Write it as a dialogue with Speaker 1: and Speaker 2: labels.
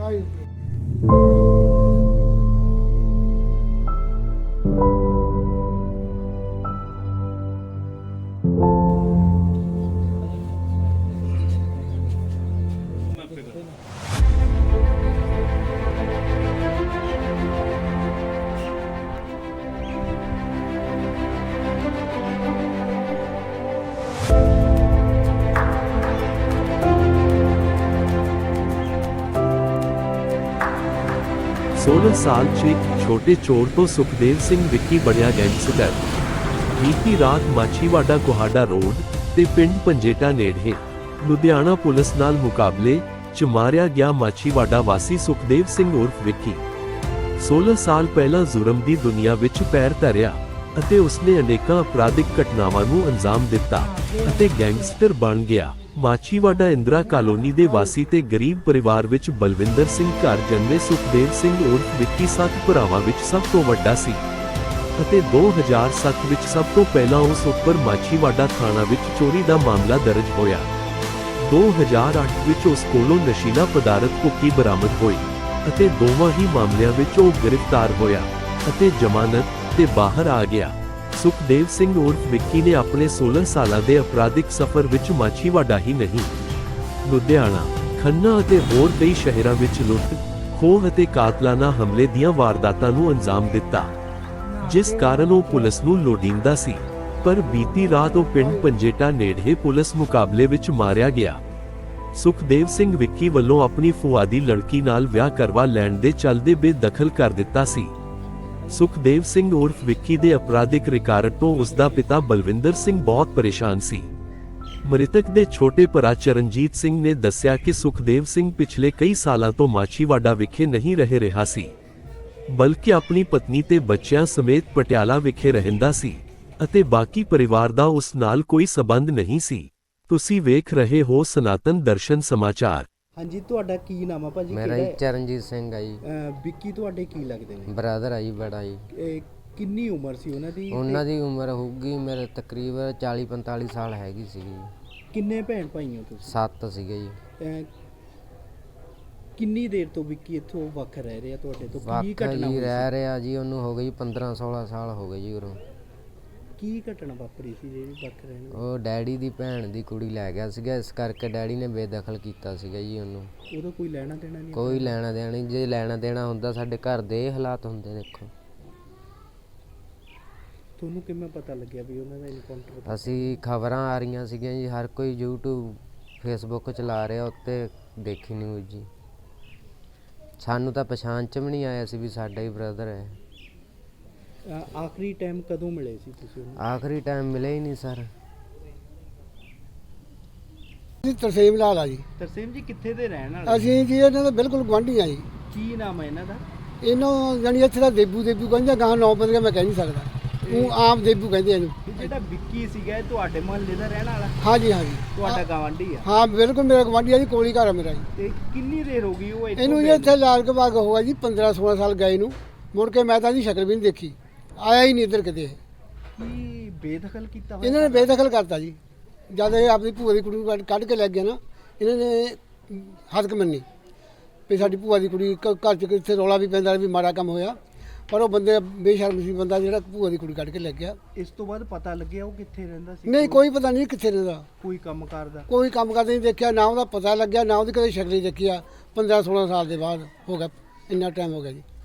Speaker 1: सोलह साल च एक छोटे चोर तो सुखदेव सिंह विक्की बनया गैंगस्टर। बीती रात माछीवाड़ा कोहाड़ा रोड ते पिंड पंजेटा नेड़े लुधियाना पुलिस नाल मुकाबले च मारिया गया माछीवाड़ा वासी सुखदेव सिंह उर्फ विक्की। 16 साल पहला जुर्म दी दुनिया विच पैर धरिया ਅਤੇ ਉਸਨੇ ਅਨੇਕਾਂ ਅਪਰਾਧਿਕ ਘਟਨਾਵਾਂ ਨੂੰ ਅੰਜਾਮ ਦਿੱਤਾ ਅਤੇ ਗੈਂਗਸਟਰ ਬਣ ਗਿਆ। ਮਾਛੀਵਾੜਾ ਇੰਦਰਾ ਕਾਲੋਨੀ ਦੇ ਵਾਸੀ ਤੇ ਗਰੀਬ ਪਰਿਵਾਰ ਵਿੱਚ ਬਲਵਿੰਦਰ ਸਿੰਘ ਘਰ ਜਨਮੇ ਸੁਖਦੇਵ ਸਿੰਘ ਉਰਫ ਵਿੱਕੀ 7 ਭਰਾਵਾਂ ਵਿੱਚ ਸਭ ਤੋਂ ਵੱਡਾ ਸੀ ਅਤੇ 2007 ਵਿੱਚ ਸਭ ਤੋਂ ਪਹਿਲਾਂ ਉਸ ਉੱਪਰ ਮਾਛੀਵਾੜਾ ਥਾਣਾ ਵਿੱਚ ਚੋਰੀ ਦਾ ਮਾਮਲਾ ਦਰਜ ਹੋਇਆ। 2008 ਵਿੱਚ ਉਸ ਕੋਲੋਂ ਨਸ਼ੀਲਾ ਪਦਾਰਥ ਭੁੱਕੀ ਬਰਾਮਦ ਹੋਈ ਅਤੇ ਦੋਵਾਂ ਹੀ ਮਾਮਲਿਆਂ ਵਿੱਚ ਉਹ ਗ੍ਰਿਫਤਾਰ ਹੋਇਆ ਅਤੇ ਜ਼ਮਾਨਤ ਤੇ ਬਾਹਰ ਆ ਗਿਆ। ਸੁਖਦੇਵ ਸਿੰਘ ਉਰਫ ਵਿੱਕੀ ਨੇ ਆਪਣੇ 16 ਸਾਲਾਂ ਦੇ ਅਪਰਾਧਿਕ ਸਫ਼ਰ ਵਿੱਚ ਮਾਛੀਵਾੜਾ ਹੀ ਨਹੀਂ, ਲੁਧਿਆਣਾ, ਖੰਨਾ ਅਤੇ ਹੋਰ ਕਈ ਸ਼ਹਿਰਾਂ ਵਿੱਚ ਲੁੱਟ, ਖੋਹ ਅਤੇ ਕਾਤਲਾਨਾ ਹਮਲੇ ਦੀਆਂ ਵਾਰਦਾਤਾਂ ਨੂੰ ਅੰਜਾਮ ਦਿੱਤਾ, ਜਿਸ ਕਾਰਨ ਉਹ ਪੁਲਿਸ ਨੂੰ ਲੋੜੀਂਦਾ ਸੀ। ਪਰ ਬੀਤੀ ਰਾਤ ਉਹ ਪਿੰਡ ਪੰਜੇਟਾ ਨੇੜੇ ਪੁਲਿਸ ਮੁਕਾਬਲੇ ਵਿੱਚ ਮਾਰਿਆ ਗਿਆ। ਸੁਖਦੇਵ ਸਿੰਘ ਵਿੱਕੀ ਵੱਲੋਂ ਆਪਣੀ ਭੂਆ ਦੀ ਲੜਕੀ ਨਾਲ ਵਿਆਹ ਕਰਵਾ ਲੈਣ ਦੇ ਚੱਲਦੇ ਬੇਦਖਲ ਕਰ ਦਿੱਤਾ ਸੀ। ਸੁਖਦੇਵ ਸਿੰਘ ਉਰਫ ਵਿੱਕੀ ਦੇ ਅਪਰਾਧਿਕ ਰਿਕਾਰਡ ਤੋਂ ਉਸ ਦਾ ਪਿਤਾ ਬਲਵਿੰਦਰ ਸਿੰਘ ਬਹੁਤ ਪਰੇਸ਼ਾਨ ਸੀ। ਮ੍ਰਿਤਕ ਦੇ ਛੋਟੇ ਭਰਾ ਚਰਨਜੀਤ ਸਿੰਘ ਨੇ ਦੱਸਿਆ ਕਿ ਸੁਖਦੇਵ ਸਿੰਘ ਪਿਛਲੇ ਕਈ ਸਾਲਾਂ ਤੋਂ ਮਾਛੀਵਾੜਾ ਵਿਖੇ ਨਹੀਂ ਰਹਿ ਰਿਹਾ ਸੀ, ਬਲਕਿ ਆਪਣੀ ਪਤਨੀ ਤੇ ਬੱਚਿਆਂ ਸਮੇਤ ਪਟਿਆਲਾ ਵਿਖੇ ਰਹਿੰਦਾ ਸੀ ਅਤੇ ਬਾਕੀ ਪਰਿਵਾਰ ਦਾ ਉਸ ਨਾਲ ਕੋਈ ਸਬੰਧ ਨਹੀਂ ਸੀ। ਤੁਸੀਂ ਵੇਖ ਰਹੇ ਹੋ ਸਨਾਤਨ ਦਰਸ਼ਨ ਸਮਾਚਾਰ।
Speaker 2: ਹਾਂਜੀ, ਤੁਹਾਡਾ ਕੀ ਨਾਮ ਆ ਭਾਜੀ?
Speaker 3: ਮੇਰਾ ਜੀ ਚਰਨਜੀਤ ਸਿੰਘ ਆ ਜੀ।
Speaker 2: ਵਿੱਕੀ ਤੁਹਾਡੇ ਕੀ ਲੱਗਦੇ ਨੇ?
Speaker 3: ਬ੍ਰਦਰ ਆ ਜੀ, ਬੜਾ ਜੀ।
Speaker 2: ਕਿੰਨੀ ਉਮਰ ਸੀ ਉਹਨਾਂ ਦੀ?
Speaker 3: ਉਹਨਾਂ ਦੀ ਉਮਰ ਹੋਊਗੀ ਮੇਰੇ ਤਕਰੀਬਨ 40-45 ਸਾਲ ਹੈਗੀ ਸੀਗੀ।
Speaker 2: ਕਿੰਨੇ ਭੈਣ ਭਾਈ ਹੋ ਤੁਸੀਂ?
Speaker 3: 7 ਸੀਗੇ ਜੀ।
Speaker 2: ਕਿੰਨੀ ਦੇਰ ਤੋਂ ਵਿੱਕੀ ਇੱਥੋਂ ਵੱਖ ਰਹਿ ਰਿਹਾ ਤੁਹਾਡੇ ਤੋਂ? ਕੀ
Speaker 3: ਘਟਨਾ
Speaker 2: ਘਟਨਾ
Speaker 3: ਹੋਈ? ਰਹਿ ਰਿਹਾ ਜੀ, ਉਹਨੂੰ ਹੋ ਗਈ 15-16 ਸਾਲ ਹੋ ਗਏ ਜੀ ਉਰੋਂ।
Speaker 2: ਕੀ ਘਟਨਾ ਵਾਪਰੀ ਸੀ ਜਿਹੜੀ ਵੱਖ ਰਹਿਣ?
Speaker 3: ਉਹ ਡੈਡੀ ਦੀ ਭੈਣ ਦੀ ਕੁੜੀ ਲੈ ਗਿਆ ਸੀਗਾ, ਇਸ ਕਰਕੇ ਡੈਡੀ ਨੇ ਬੇਦਖਲ ਕੀਤਾ ਸੀਗਾ ਜੀ ਉਹਨੂੰ।
Speaker 2: ਉਹਦਾ ਕੋਈ ਲੈਣਾ ਦੇਣਾ ਨਹੀਂ?
Speaker 3: ਕੋਈ ਲੈਣਾ ਦੇਣਾ ਨਹੀਂ। ਜੇ ਲੈਣਾ ਦੇਣਾ ਹੁੰਦਾ ਸਾਡੇ ਘਰ ਦੇ ਇਹ ਹਾਲਾਤ ਹੁੰਦੇ। ਦੇਖੋ
Speaker 2: ਤੁਹਾਨੂੰ ਕਿਵੇਂ ਪਤਾ ਲੱਗਿਆ ਵੀ ਉਹਨਾਂ ਦਾ ਇਨਕਾਊਂਟਰ?
Speaker 3: ਅਸੀਂ ਖਬਰਾਂ ਆ ਰਹੀਆਂ ਸੀਗੀਆਂ ਜੀ, ਹਰ ਕੋਈ YouTube Facebook ਚਲਾ ਰਿਹਾ, ਉੱਤੇ ਦੇਖੀ ਨਿਊਜ਼ ਜੀ। ਸਾਨੂੰ ਤਾਂ ਪਛਾਣ ਚ ਵੀ ਨਹੀਂ ਆਇਆ ਸੀ ਵੀ ਸਾਡਾ ਹੀ ਬ੍ਰਦਰ ਹੈ।
Speaker 2: ਆਖਰੀ ਟਾਈਮ ਕਦੋਂ ਮਿਲੇ ਸੀ ਤੁਸੀਂ ਉਹਨੂੰ?
Speaker 3: ਆਖਰੀ ਟਾਈਮ ਮਿਲੇ ਹੀ ਨਹੀਂ ਸਰ।
Speaker 4: ਤਰਸੇਮ ਲਾਲ ਆ ਜੀ।
Speaker 2: ਤਰਸੇਮ ਜੀ ਕਿੱਥੇ ਦੇ ਰਹਿਣ ਵਾਲੇ?
Speaker 4: ਅਸੀਂ ਜੀ ਇਹਨਾਂ ਦਾ ਬਿਲਕੁਲ ਗੁਆਂਢੀ ਆ ਜੀ।
Speaker 2: ਕੀ ਨਾਮ ਹੈ ਇਹਨਾਂ ਦਾ?
Speaker 4: ਇਹਨੂੰ ਜਾਨੀ ਇੱਥੇ ਦਾ ਦੇਬੂ ਕਹਿੰਦੇ, ਗਾਂ 9 ਬੰਦੇ ਮੈਂ ਕਹਿ ਨਹੀਂ ਸਕਦਾ, ਉਹ ਆਮ ਦੇਬੂ ਕਹਿੰਦੇ ਇਹਨੂੰ।
Speaker 2: ਜਿਹੜਾ ਵਿੱਕੀ ਸੀਗਾ ਇਹ ਤੁਹਾਡੇ ਮੁਹੱਲੇ ਦਾ ਰਹਿਣ ਵਾਲਾ?
Speaker 4: ਹਾਂਜੀ ਹਾਂਜੀ।
Speaker 2: ਤੁਹਾਡਾ ਗਵਾਂਢੀ ਆ?
Speaker 4: ਹਾਂ ਬਿਲਕੁਲ ਮੇਰਾ ਗੁਆਂਢੀ ਆ ਜੀ, ਕੋਲੀ ਘਰ ਆ ਮੇਰਾ ਜੀ।
Speaker 2: ਤੇ ਕਿੰਨੀ ਦੇਰ ਹੋ ਗਈ ਉਹ
Speaker 4: ਇਹਨੂੰ ਜੀ ਇੱਥੇ ਲਾਲ ਬਾਗ ਹੋਇਆ ਜੀ 15-16 ਸਾਲ ਗਏ ਨੂੰ, ਮੁੜ ਕੇ ਮੈਂ ਤਾਂ ਇਹਦੀ ਸ਼ਕਲ ਵੀ ਨਹੀਂ ਦੇਖੀ, ਆਇਆ ਹੀ ਨਹੀਂ ਇੱਧਰ ਕਿਤੇ।
Speaker 2: ਕੀ ਬੇਦਖਲ ਕੀਤਾ ਹੋਇਆ?
Speaker 4: ਇਹਨਾਂ ਨੇ ਬੇਦਖਲ ਕਰਤਾ ਜੀ। ਜਦ ਇਹ ਆਪਣੀ ਭੂਆ ਦੀ ਕੁੜੀ ਨੂੰ ਕੱਢ ਕੇ ਲੈ ਗਿਆ ਨਾ, ਇਹਨਾਂ ਨੇ ਹੱਦ ਮੰਨੀ ਵੀ ਸਾਡੀ ਭੂਆ ਦੀ ਕੁੜੀ ਘਰ 'ਚ ਕਿੱਥੇ ਰੌਲਾ ਵੀ ਪੈਂਦਾ ਵੀ ਮਾੜਾ ਕੰਮ ਹੋਇਆ, ਪਰ ਉਹ ਬੰਦੇ ਬੇਸ਼ਰਮ ਸੀ ਬੰਦਾ ਜਿਹੜਾ ਭੂਆ ਦੀ ਕੁੜੀ ਕੱਢ ਕੇ ਲੈ ਗਿਆ।
Speaker 2: ਇਸ ਤੋਂ ਬਾਅਦ ਪਤਾ ਲੱਗਿਆ ਉਹ ਕਿੱਥੇ ਰਹਿੰਦਾ ਸੀ?
Speaker 4: ਨਹੀਂ ਕੋਈ ਪਤਾ ਨਹੀਂ ਕਿੱਥੇ ਰਹਿੰਦਾ,
Speaker 2: ਕੋਈ ਕੰਮ ਕਰਦਾ?
Speaker 4: ਕੋਈ ਕੰਮ ਕਰਦਾ ਨਹੀਂ ਦੇਖਿਆ, ਨਾ ਉਹਦਾ ਪਤਾ ਲੱਗਿਆ, ਨਾ ਉਹਦੀ ਕਦੇ ਸ਼ਕਲ ਹੀ ਦੇਖੀ ਆ। 15-16 ਸਾਲ ਦੇ ਬਾਅਦ ਹੋ ਗਿਆ, ਇੰਨਾ ਟਾਈਮ ਹੋ ਗਿਆ ਜੀ।